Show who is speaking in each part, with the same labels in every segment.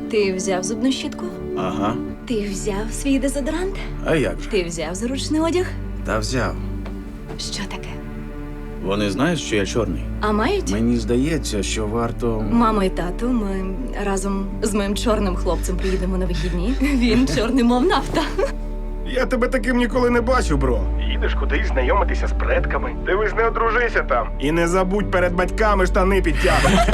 Speaker 1: Ти взяв зубну щітку?
Speaker 2: Ага.
Speaker 1: Ти взяв свій дезодорант?
Speaker 2: А як же?
Speaker 1: Ти взяв заручний одяг?
Speaker 2: Та взяв.
Speaker 1: Що таке?
Speaker 2: Вони знають, що я чорний.
Speaker 1: А мають?
Speaker 2: Мені здається, що варто.
Speaker 1: Мамо і тату, ми разом з моїм чорним хлопцем приїдемо на вихідні. Він чорний, мов нафта.
Speaker 3: Я тебе таким ніколи не бачив, бро. Їдеш кудись знайомитися з предками. Дивись, не одружися там. І не забудь перед батьками штани підтягнути.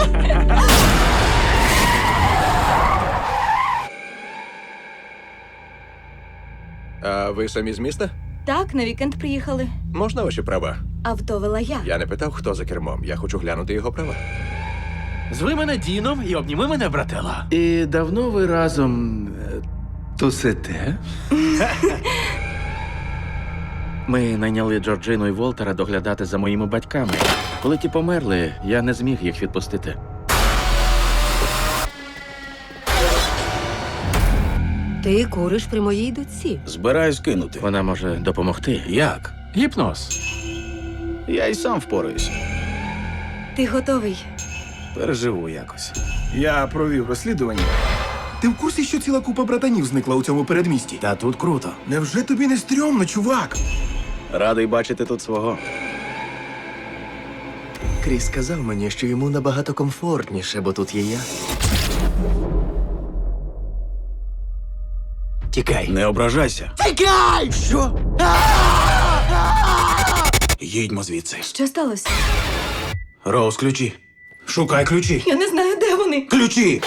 Speaker 4: А ви самі з міста?
Speaker 1: Так, на вікенд приїхали.
Speaker 4: Можна ваші права?
Speaker 1: Авто вела я.
Speaker 4: Я не питав, хто за кермом. Я хочу глянути його права.
Speaker 5: Зви мене Діном і обніми мене, брателла.
Speaker 2: І давно ви разом тусите? Ми найняли Джорджину і Волтера доглядати за моїми батьками. Коли ті померли, я не зміг їх відпустити.
Speaker 6: Ти куриш при моїй дочці.
Speaker 2: Збираюсь кинути. Вона може допомогти. Як?
Speaker 5: Гіпноз.
Speaker 2: Я й сам впораюсь.
Speaker 1: Ти готовий?
Speaker 2: Переживу якось.
Speaker 3: Я провів розслідування. Ти в курсі, що ціла купа братанів зникла у цьому передмісті?
Speaker 2: Та тут круто.
Speaker 3: Невже тобі не стрьомно, чувак?
Speaker 2: Радий бачити тут свого.
Speaker 7: Кріс сказав мені, що йому набагато комфортніше, бо тут є я. Тікай.
Speaker 2: Не ображайся.
Speaker 7: Тікай! Що?
Speaker 2: Їдьмо звідси.
Speaker 1: Що сталося?
Speaker 2: Роуз, ключі. Шукай ключі.
Speaker 1: Я не знаю, де вони.
Speaker 2: Ключі!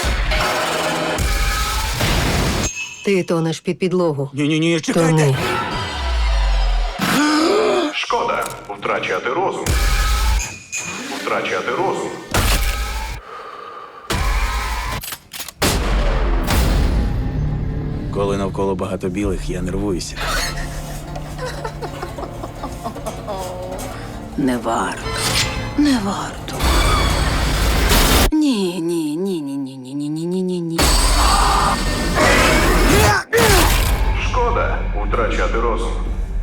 Speaker 6: Ти тонеш під підлогу.
Speaker 2: Ні, чекайте.
Speaker 6: Тони.
Speaker 3: Шкода втрачати розум. Втрачати розум.
Speaker 2: Коли навколо багато білих, я нервуюся.
Speaker 6: Не варто. Не варто. Ні.
Speaker 3: Шкода втрачати розум.